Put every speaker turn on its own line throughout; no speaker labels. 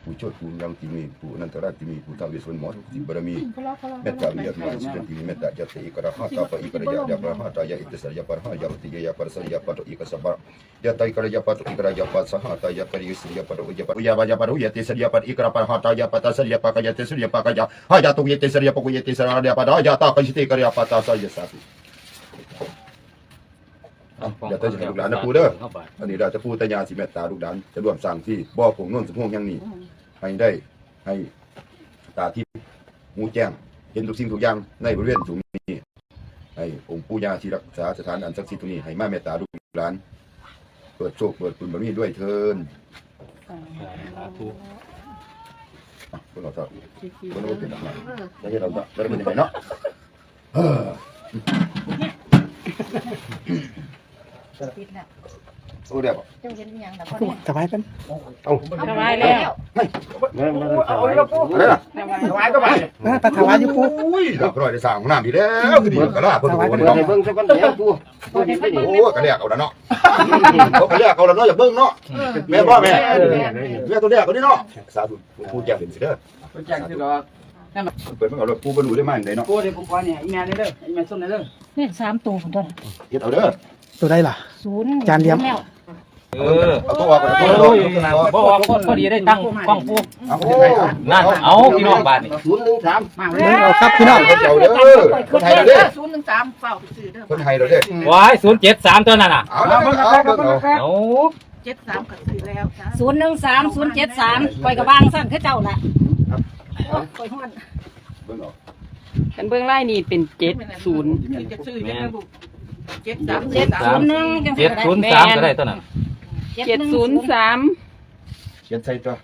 ผู้โชติผู้ยังที่มีผู้นันตราที่มีผู้ท้าวเวสสุวรรณหมอทุกสิ่งบารมีเมตตาวิยามาสิทธิเมตตาจัตติอิกระหะตาปะอิกระยะยะปะหะตายะอิตสระยะปะหะยะติยะปะสระยะปะตุอิกสะบะยะตายกระยะปะตุอิกระยะปะสหะตายะกะริสระยะปะตุยะปะยะบะยะปะรุยะติสระยะปะอิกระปะหะตายะปะตสระยะปะกะยะติสระยะปะกะยะหะยะตุยะติสระยะปะกุยะติสระยะปะดายะตากะยิติกระยะปะตาสยะสาธุอย่าเตือนลูกหลานนะปู่เด้ออันนี้เราจะพูดแต่ยาสิเมตตาลูกหลานจะร่วมสร้างที่บ่อผงโน่นสมพงษ์ยังนี่ให้ได้ให้ตาทิพย์หูแจ้งเห็นทุกสิ่งทุกอย่างในบริเวณตรงนี้ให้องค์ปู่ย่าที่รักษาสถานอันศักดิ์สิทธิ์ตรงนี้ให้มาเมตตาลูกหลานเปิดโชคเปิดบุญบารมีด้วยเถิดพวกเราจะพวกเราเป็นอะไรแล้วเราจะเป็นยังไงเนาะโอ้เดี๋ยวสบายกันเอาสบายแล้วอะไรล่ะสบายก็ไปปะถวายอยู่ปูอุ้ยเราก็ได้สร้างน้ำดีแล้วคือดีกระลาเพิ่งโอนเนาะเบิ่งสักวันเดียวปูโอ้กระเลียกเอาละเนาะกระเลียกเอาละเนาะอย่าเบิ่งเนาะแม่พ่อแม่แม่ตัวเลียกเอาดิเนาะสาธุปูแจ้งเป็นสิเด้อปูแจ้งสิเนาะเปิดมันเอาเลยปูบรรลุได้มั้ยได้เนาะปูได้ปูก่อนเนี่ยอีแม่นี่เด้ออีแม่ส้มนี่เด้อ
นี่3ตัวพุ่นต้น
เฮ็ดเอาเด้อ
ตัวได้ล่ะ
0
จานเดียว
เอาตัวออกก่อน
บ่ออกพอดีได้ตั้งกล้องปูนั่นเอาพี่น้องบ้านนี่
013
มาเอาครับพี่น้อง
เจ้าเด้อคนไทยเด้อ
013เฝ้าซื้อเด้อ
คนไทยเด้อ
ว้าย073ตัวนั่นน่ะ
เอาเบิ่งเอา
73ก็ซื้อแล้ว013 073ข่อยก็วางซั่นคือเจ้าน่ะข่อยฮ้อน
เบิ่งเอา
กันเบื้องไล่นี่เป็น70
จะซื้อยังไงบุ
703ก็ได้ตัวนั้น
703
เขียนใส่ตัว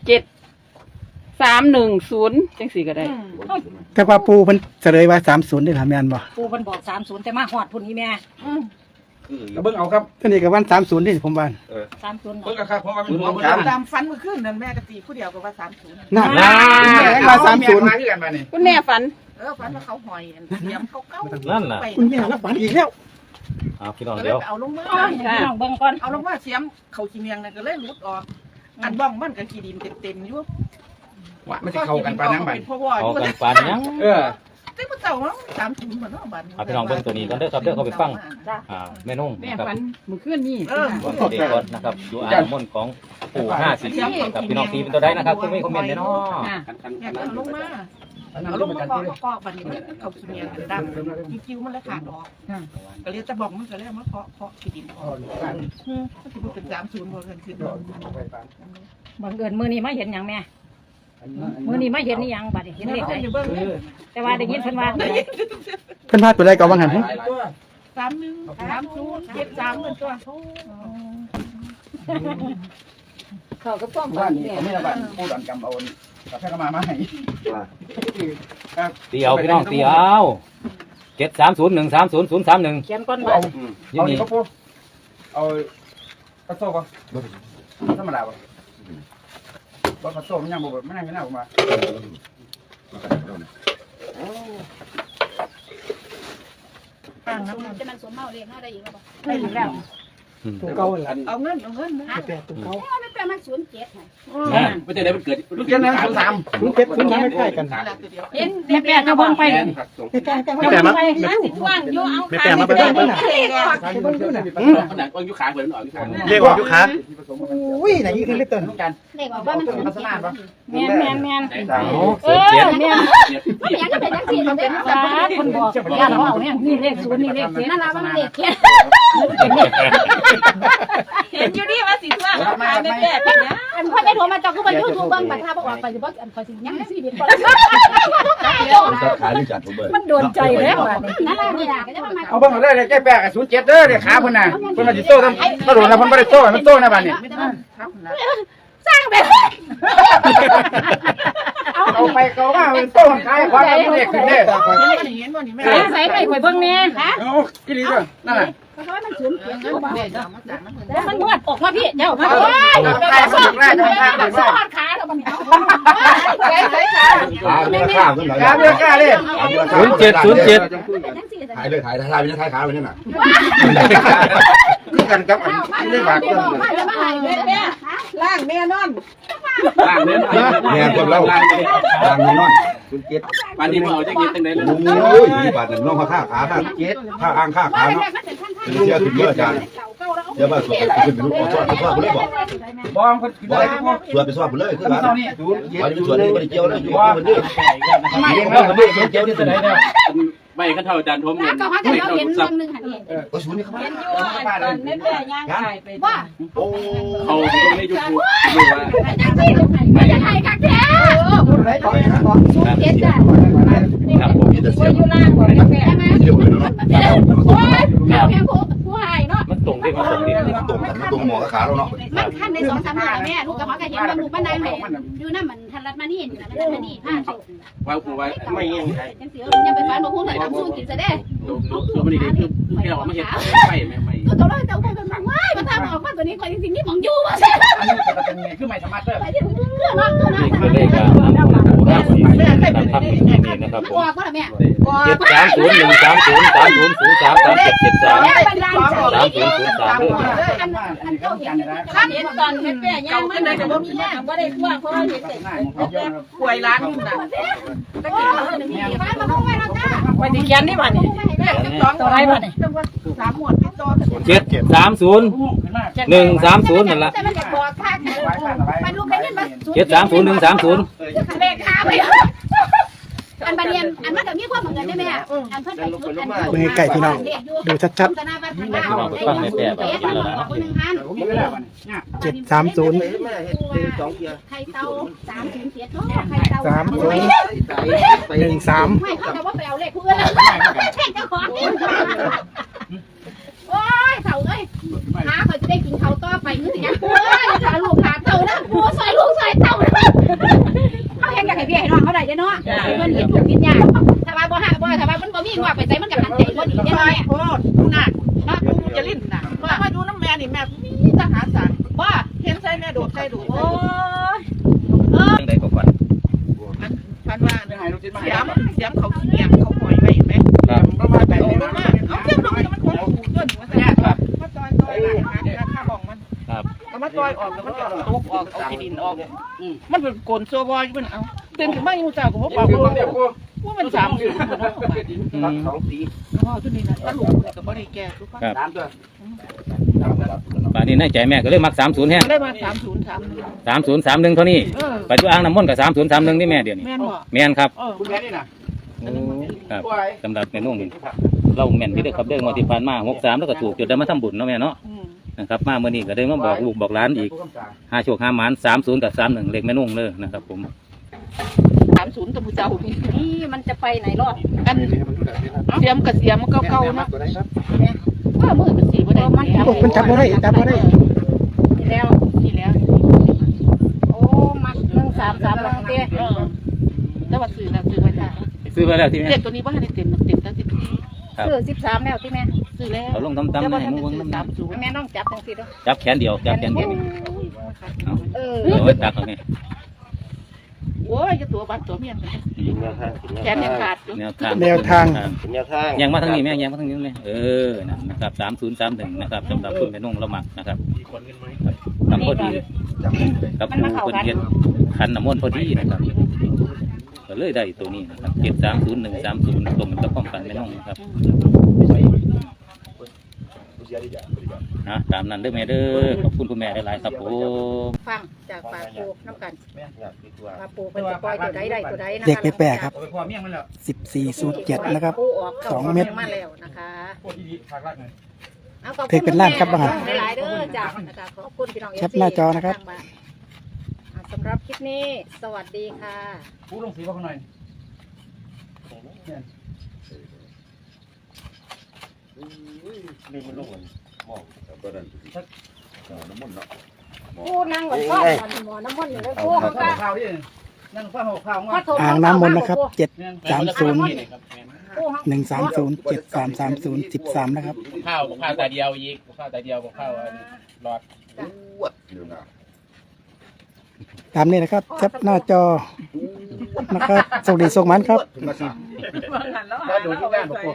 7310จังสี่ก็ได้
แต่ว่าปูเพิ่นเฉลยว่า30ได้ล่ะแม่นบ่
ปูเพิ่นบอก30แต่มาฮอดพุ่นนี่แม่
เบิ่งเอาครับ
ตัวนี้ก็วัน30นี่ผมว่า
30
เบิ่งครับเพราะว่ามันหัว
ตามฝันเมื่อคืนนั่นแม่ก็ตีผู้เดียวก็ว่า30
นั่นว่า30มาคือกันบัดนี้
คุณแม่ฝัน
ฝันว่าเขาหอยเสียมเขาเก้า
นั่นน่ะ
คุณแม่รับฝันอีกแล้ว
พี่น้องเดี๋ยว
เอาลงมาพี่น้องเบิ่งก่อนเอาลงมาเสียมเขาขี้เมียงนั่นก็เลยหลุดออกอันบ้องมันก็ขี้ดินเต็มๆอยู่
ว่ามันสิเข้ากันปานยังบัด
เข้ากันปานยัง
แต่บ่เจ้าเนาะ30บ่เนาะบัด
พี่น้องเบิ่งตัวนี้กันเด้อครับเด้อเขาไปฟังแม่นุ่ง
แม่ฝันเมื่อคืนนี้
ก่อนเด็กก่อนนะครับดูอ่านมนต์ของปู่50กับพี่น้องตีเป็นตัวใดนะครับคุณไม่คอมเมนต์เนาะ
เอาลงมาเอาลงมาเคาะบัดนี้เขาขี้เมียงดังกิ้วมันแล้วขาดออกก็เลยจะบอกมันก็แล้วมาเคาะขี้ดินออกสิบ่เป็น30บ่เกินขึ้นบังเอิญมื้อนี้มาเห็นหยังแม่มื้อนี้มาเห็นนี่หยังบัดนี้เห็นเลขได้แต่ว่าได้ยินเพิ่นว่า
เพิ่นพาตัวใดก็ว่างั้น
31 30 73เหมือนตัวเขาก็ป้อมฝันเนี่ย
ไม่ละบัดผู้ดันกำเอากาแฟก็มาให้
ตีเอาพี่น้องตีเอา730130031
เขียนก่อนว่า
นี่นี่
เอากระโซ่ป่ะธรรมดาป่ะบ่กระโซ่มันยังบ่มันยังไม่น่าออกมา
ตั้งน้ำจะมันสวมเมาเรียกเฮาได้อีกแล้วบ่ได้อีกแล้ว
ตัวเก่าล่ะ
เอาเงินนะ
ตัวเก่า
ไม่แปลมัน07
ไงไม่ได้มันเกิด
ลูกเจ้านั้น03
ไม่ใกล้กัน
เห็นแม่แปลก็บ่งไป
ไม่แปลมา
สิว่างอยู่เอา
ไม่แปลมาเบิ่งเบิ่งน่ะ
ขนาดอยู่ขาเพิ่นออกอยู่ขา
เรียกว่าอยู่ขาอุ้ยไหนอีกคือเล็กต้น
กันเลขว่ามัน
ลักษณะบ่
แม่นแม่นแม่นแม่นก็เป็นจังซี่เด้อเพิ่นบอกย่าเราเอาแม่นี่เลข0นี่เลข7นั่นล่ะมันเลขเขียนเห็นอยู่นี่ว่าสิว่ามาแม่เป็นหยังอันพ่อได้โทรมาจอกคือบ่ YouTube เบิ่งบัดถ้าบ่ออกไปสิบ่อันขอสิยังสิเด็ดบ่
ขาหรือจัดผมเบิ่ง
มันโดนใจแล้วบัดนี้นั่นล่ะนี่ล่ะก็จะมา
เอาเบิ่งเอาได้แก้แปะกับ07เด้อเด้ขาเพิ่นน่ะเพิ่นมาสิโตทำกระโดดแล้วเพิ่นบ่ได้โตมันโตนะบัดนี้
สร้างแบบ
เอาไปเกาว่ามันโตขายความมันเด็กขึ้นเด้
ใส่ไปข่อยเบิ่งแน่ฮะ
โอ้อีหลีเด้อนั่นน่ะ
เพราะว่ามันสูญเสียเงินบ่แล้วมันนวดออกมาพี่เจ้ามา
ขายสุดแรกจะทางได้
สอดขาแล้วมันใส่ขา
ขาเบี้ยกล้าเลย
07
ถ่ายเลยถ่ายไปเนี่ยถ่ายขาไปเนี่ยน่ะคือกันกับอันนี้บาดเจ็บ
ล่างแม่นอน
ล่างเล่น
แม่คนเล่าทางนี้นอน
ปานนี้เอาจะกินตั้งไหน
โอ้ยมีบาทหนึ่งน้องค่าขาข้าข้าอ้างค่าขาเนาะเป็นเสียถึงเยอะอาจารย์เดี๋ยวมาสวดขึ้นไปรู้สวดไปสวดไปเลยบอก
บอมคนกินอะไรก็พอ
สวดไปสวดไปเลยคือบ้าน
เท่านี้
วันนี้สวดนี่ไม่ได้เกี่ยวเลยอยู่คนเดียว
ไม่
เกี่ยว
ไม่
คนเดียวเกี่ยวที่ไหนเนี่ย
ไม่กันเท่าอาจารย์ทม
แล้วก็ว่าแต่เราเห็นเรื่องหนึงหันเอง
โอ้ยศูนย์นี่เขา
เห็นอยู่ว่าตอนแม่แม่ย่างไก่ไปว่า
โอ้
เขาตรงในยูทูบดูว่า
จังซี่ไม่จะไทยกักแท้สู้เจ็ดจ้ะ
ครับผม
มีแต่เสียง
อยู่ล่างบ่แม่แม่
เดียวเลยเนาะ
โอ้ยแม่ผู้หายเนาะ
มันตรงที่มันตรงที่
ตรงกันตรงหมอขาเราเนาะ
มันคันใน2-3มื้อแม่ลูกกับพ่อก็เห็นว่าลูกมันนางแม่อยู่นำมันทันรัดมานี่อยู่นะมันมานี่ผ้าสุก
ว่ากูว่าไม่ยัง
จังซี่ยังไปฟันบ่ฮู้เลยทำสู้กินซะเด้
คือมันนี่คือที่เราไม่เห็นไม่ไม่
ก็ต้องเจ้าไปมันว้ายมาทำออกมาตัวนี้คนจริงๆนี่มองอยู่ว่าซั่น
คือไม่สามารถเพิ่ม
ไปที่เรื่องเนาะตัวนั้น
นี่คือเลขการนำของปู่54นะครับทำที่นี่นะครับผม
ออกบ่ล่ะแม่ ข้าเห็นตอนแม่แม่ย่างมันเลยจะบ่มีแรงบ่ได้ทั่วเพราะว่าเห็นแต่
ป่วยร้านอยู่นะ
ตะกี้เราเนี่ยมีฟ้ามาพุ่งไว้แล้วจ้า
ไปที่แกนนี่บ้านนี่ตัวไรบ้านนี่3หมวดติดต่อ
730 130นั่นละ
แต่มันจะบอกค่าไปลูกได้เงินมา
730 130
เลขค่าไปอันบัดนี้อันมันก็มีความเหมือนกันได้แม่อันเพิ่นไปชุดอัน
เบิ่งให้ใกล้พี่น้องดูชัด
ธนาบัตรพันดาวคน1,000
730
ไข่เต่า307เนาะไข่เต่า
13
ไม่เขาจะว่าไปเอาเลขเพื่อนแล้วแข่งเจ้าของนี่โอ้ยเต่าเอ้ยหาเขาจะได้กินเขาต่อไปมือสิยังโอ้ยจะลูกขาเต่านะกูใส่ลูกใส่เต่าเขาเห็นกับไอ้พี่ไอ้น้องเขาได้เนาะเพื่อนเห็นลูกกินยาถ้าว่าบ่หาบ่ถ้าว่ามันบ่มีงอกไปใส่มันกับหันใจบ่ดีได้ไหม
โอ้หนักเนาะกูจะลิ้นน่ะมาอยู่น้ำแม่นี่แม่มีทหารสั่งว่าเห็นใส่แม่โดดใส่ดู
โอ้ย
จังได๋ก็ก่อน
พันว่าเสียมเขาเกียงเขาหอยไว้เห็นไหม
ครับ
ประมาณแบบนี้มากเอาเสียมลงมันคงหูต้นมันจะมาจอยข้าของมัน
ครับ
เอามาจอยออกแล้วมันก็ตกออกเอาขี้ดินออกมันเป็นโกนโซบอยมันเอาเต้นขึ้นมาอยู่เจ้าก็บ่บอกว่ามัน3อยู่อ๋อตัวนี้นะตลกก็บ่ได้แก่ทุกคน
ครับป่านนี้ในใจแม่ก็เลยมัก30แฮง
ได้มา3031
3031เท่านี้ปัจจุบันน้ำมนต์ก็3031นี่แม่เดี๋ยวนี้
แม่นบ่
แม่นครับ
คุณแม่นี่นะ
ครับสำหรับแม่นุ่งนี่เราแม่นที่ได้ขับเดินมาที่ผ่านมา63แล้วก็ถูกจุดได้มาทำบุญเนาะแม่เนาะนะครับมาเมื่อนี้ก็ได้มาบอกลูกบอกหลานอีก5โชค5หมาน30กับ31เลขแม่นุ่งเลยนะครับผม
30ตัวผู้เจ้านี่
นี่มันจะไปไหนรอด
อันเสียมกับเสียมเก่าๆนะว่ามือมันสีบ่ได้
โอ้มันจับบ่ได้จับบ่ได้
แล้ว
นี่แล้ว
โอ้มัด133แล้วเต้
แล้วว่าซื้อแล้วซื้อไว้จ้า
ซื้อไปแล้วที่แม่
เด็กตัวนี้บ่ทันได้เต็มตั้ง14
ซื้อ13แล้วที่แม่
ซื้อแล้ว
เอาลงตำๆนะให้มึงเบิ่งน้ำ
แม่น้องจับจังซี่เด้อ
จับแขนเดียวจับแขนเดียวเอา
เออ
เอาไว้ตักเอาแม่
โอ้ยจะตัวบัดตัวเมียนแขนยังขาดอยู่
แนวทาง
แนวทาง
ยังมาทางนี้แม่ยังมาทางนี้เลยนั่นนะครับ3031นะครับสำหรับคุณแม่นุ่งละหมักนะครับทำพอดีกับผู้คนเฮ็ดขันน้ำมนต์พอดีนะครับก็เลยได้ตัวนี้นะครับ730130ตรงกับความฝันแม่นุ่งนะครับตามนั้นเด้อแม่เด้อขอบคุณคุณแม่หลายๆครับผม
ฟังจากปากปูน้ำกันปากปูเป็นจะปล่อยตัวใดได้ตัวใดนะ
เด็กไปแปลครับ
พอเมี่ยงมันแล้ว
1407นะครับ
ปูออก
2 เม็ด
มาแล้วนะคะ
พวกที่ภาครัฐเลย
เอาขอบ
เทคเป็นล้านครับบ้าง
หลายๆเด้อจ้านะคะขอบคุณพี่น้อง
แคปหน้าจอนะครับ
สำหรับคลิปนี้สวัสดีค่ะ
ผู้ลงสีว่าคนหน่อย
น้ำมันเนาะ
ปูนั่งก่อนก้อนหมอน้ำมันอยู่เลยปูเขาก็
ข้าวที่นั่นข้าวข้าว
ขอโทษ
อ่างน้ำมนต์นะครับ
ปูเขา
730 130 7330 13นะครับ
ข้าวตาเดียวอีกข้าวตาเดียวข้าวหลอด
ตามนี้นะครับแคปหน้าจอนะครับสวัสดีส่งมันครับ
ก็ดูที่บ้านผม